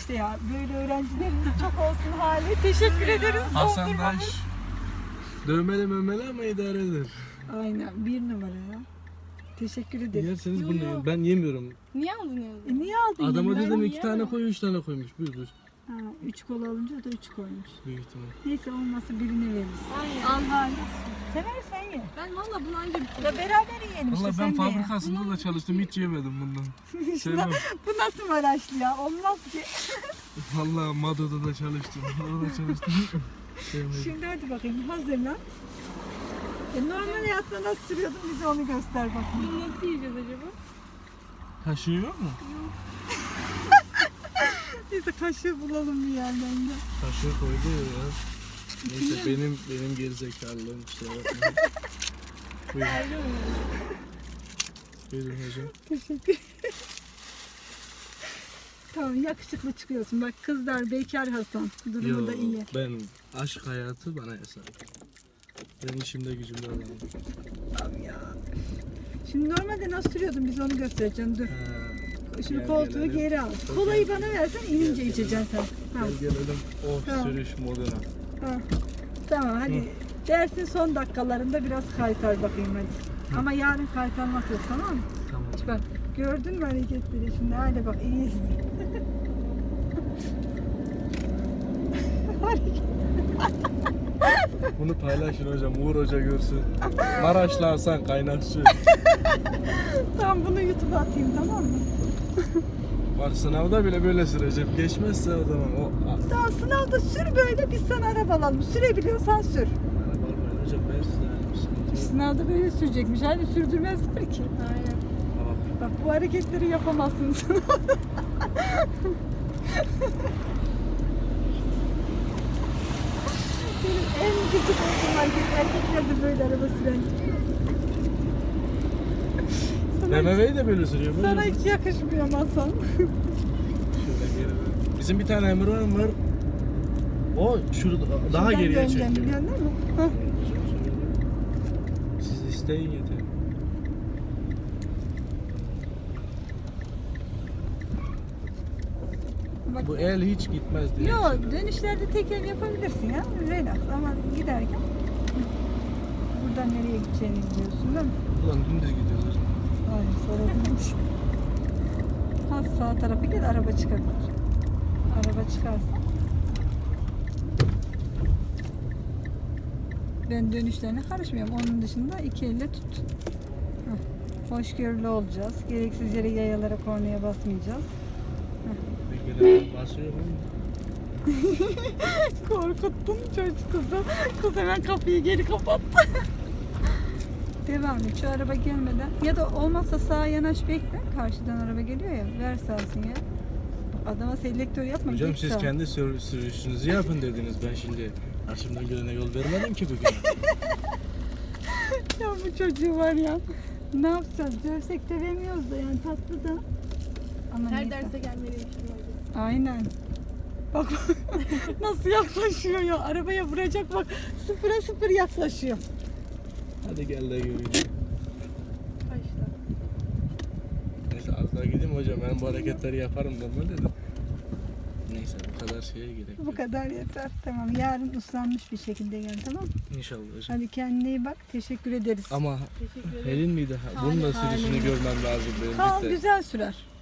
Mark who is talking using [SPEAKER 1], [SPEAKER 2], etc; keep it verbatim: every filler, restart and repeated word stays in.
[SPEAKER 1] işte ya böyle öğrencilerimiz çok olsun hali. Teşekkür ederiz.
[SPEAKER 2] Hasan
[SPEAKER 1] Doldurmamış.
[SPEAKER 2] Daş dövmeli mömeli ama idare eder.
[SPEAKER 1] Aynen bir numara ya. Teşekkür ederiz.
[SPEAKER 2] Yerseniz
[SPEAKER 3] Yo,
[SPEAKER 2] bunu
[SPEAKER 3] yo.
[SPEAKER 2] yiyin. Ben yemiyorum.
[SPEAKER 3] Niye aldın yazı?
[SPEAKER 1] E niye aldın?
[SPEAKER 2] Adama
[SPEAKER 1] yirmi lira?
[SPEAKER 2] dedim
[SPEAKER 3] ben
[SPEAKER 2] iki tane
[SPEAKER 3] yiyemem.
[SPEAKER 2] koy, üç tane koymuş. Buyur buyur.
[SPEAKER 1] Ha, üç kola alınca o da üç koymuş.
[SPEAKER 2] Büyük ihtimal.
[SPEAKER 1] Neyse olmazsa birini veririz.
[SPEAKER 3] Aynen.
[SPEAKER 1] Al hali. Seversen ye.
[SPEAKER 3] Ben valla bunu anca bitirdim.
[SPEAKER 1] Ya beraber yiyelim işte
[SPEAKER 2] Valla
[SPEAKER 1] sen
[SPEAKER 2] ben
[SPEAKER 1] de ye.
[SPEAKER 2] fabrikasında da çalıştım, hiç yemedim bundan. Sevmem.
[SPEAKER 1] Bu nasıl Maraşlı ya? Olmaz ki.
[SPEAKER 2] Valla Mado'da da çalıştım. Orada da çalıştım. Sevmedim.
[SPEAKER 1] Şimdi hadi bakayım hazırlan. E, normal hayatında nasıl sürüyordun bize onu göster bakayım.
[SPEAKER 3] Bunu nasıl yiyeceğiz acaba?
[SPEAKER 2] Kaşığı yok mu?
[SPEAKER 1] Neyse kaşığı bulalım bir yerden de.
[SPEAKER 2] Kaşığı koydu ya. Neyse benim benim gerizekalılığım işte. Buyurun.
[SPEAKER 3] Ayrı mı?
[SPEAKER 2] Buyurun hocam.
[SPEAKER 1] Teşekkür Tamam yakışıklı çıkıyorsun. Bak kızlar bekar Hasan. Durumu
[SPEAKER 2] Yo,
[SPEAKER 1] da iyi.
[SPEAKER 2] ben aşk hayatı bana hesap. Ben işimde gücümde adamım.
[SPEAKER 1] Tamam ya. Şimdi normalde nasıl sürüyordun biz onu göstereceğim. Dur.
[SPEAKER 2] Ha,
[SPEAKER 1] Şimdi
[SPEAKER 2] gel
[SPEAKER 1] koltuğu
[SPEAKER 2] gelelim.
[SPEAKER 1] geri al.
[SPEAKER 2] Gel
[SPEAKER 1] Kolayı
[SPEAKER 2] gelelim.
[SPEAKER 1] bana versen inince
[SPEAKER 2] Gel
[SPEAKER 1] içeceksin sen. Ha.
[SPEAKER 2] Gel gelelim o
[SPEAKER 1] Tamam.
[SPEAKER 2] sürüş moduna.
[SPEAKER 1] Ha. Tamam hadi. Dersin son dakikalarında biraz kaytar bakayım hadi. Ama yarın kaytarmak yok tamam mı?
[SPEAKER 2] Tamam.
[SPEAKER 1] Bak gördün mü hareketleri şimdi hadi bak iyi izle.
[SPEAKER 2] Bunu paylaşın hocam. Uğur Hoca görsün. Maraşlı Hasan kaynakçı.
[SPEAKER 1] Tamam bunu YouTube'a atayım tamam mı?
[SPEAKER 2] Bak sınavda bile böyle süreceğim. Geçmezse o zaman o... A-
[SPEAKER 1] Tamam sınavda sür böyle biz sana araba alalım. Sürebiliyorsan sür.
[SPEAKER 2] Araba almayın hocam, ben size yani sıkıntı yok.
[SPEAKER 1] Sınavda böyle sürecekmiş. Hani sürdürmezler ki.
[SPEAKER 3] Aynen.
[SPEAKER 2] Tamam.
[SPEAKER 1] Bak bu hareketleri yapamazsın sınavda. Benim en gıcık olduğum hareket. Erkekler de böyle araba süren. Sana,
[SPEAKER 2] B M W'yi de böyle sürüyor. Böyle.
[SPEAKER 1] sana hiç yakışmıyor Hasan.
[SPEAKER 2] Şöyle geri ver. Bizim bir tane Emir var. O şurada daha
[SPEAKER 1] Şuradan
[SPEAKER 2] geriye
[SPEAKER 1] döneceğim,
[SPEAKER 2] çekiyor.
[SPEAKER 1] biliyorsun değil mi? Hah.
[SPEAKER 2] Siz isteyin yeter.
[SPEAKER 1] Bak,
[SPEAKER 2] Bu el hiç gitmez diye.
[SPEAKER 1] Yok dönüşlerde tek el yapabilirsin ya. Relax ama giderken buradan nereye gideceğini biliyorsun değil mi?
[SPEAKER 2] Ulan dümdüz gidiyorlar.
[SPEAKER 1] Hayır sorulmuş. Ha sağ tarafa gel araba çıkabilir. Araba çıkarsa. Ben dönüşlerine karışmıyorum. Onun dışında iki elle tut. Hah. Hoşgörülü olacağız. Gereksiz yere yayalara kornaya basmayacağız.
[SPEAKER 2] Bilgiler basıyor mu?
[SPEAKER 1] Korkuttun çocuk kızı. Kız hemen kapıyı geri kapattı. Devam et. Şu araba gelmeden ya da olmazsa sağa yanaş bekle. Karşıdan araba geliyor ya. Ver sağ sinyal. Adama selektör yapma.
[SPEAKER 2] Hocam
[SPEAKER 1] git
[SPEAKER 2] siz
[SPEAKER 1] sağa.
[SPEAKER 2] kendi sür- sürüşünüzü yapın dediniz. Ben şimdi karşımdan gelene yol vermedim ki bugün.
[SPEAKER 1] Ya bu çocuğu var ya. Ne yapacağız? Dövsek dövemiyoruz da yani tatlı da. Ama
[SPEAKER 3] Her
[SPEAKER 1] neyse.
[SPEAKER 3] derse gelmeliymişim hocam.
[SPEAKER 1] Aynen. Bak nasıl yaklaşıyor ya. Arabaya vuracak bak. Sıfıra sıfır yaklaşıyor.
[SPEAKER 2] Hadi gel de göreyim.
[SPEAKER 3] Kaçta?
[SPEAKER 2] Neyse az daha gideyim hocam. Ben bu hareketleri yaparım normalde de. Neyse bu kadar şeye gerek
[SPEAKER 1] Bu
[SPEAKER 2] yok.
[SPEAKER 1] kadar yeter. Tamam. Yarın uslanmış bir şekilde gel tamam mı?
[SPEAKER 2] İnşallah hocam.
[SPEAKER 1] Hadi kendine iyi bak. Teşekkür ederiz.
[SPEAKER 2] Ama
[SPEAKER 3] Teşekkür ederim.
[SPEAKER 2] Helin miydi? Bunun da
[SPEAKER 1] Hale.
[SPEAKER 2] sürüşünü görmem lazım benim.
[SPEAKER 1] Kal
[SPEAKER 2] Bir de.
[SPEAKER 1] güzel sürer.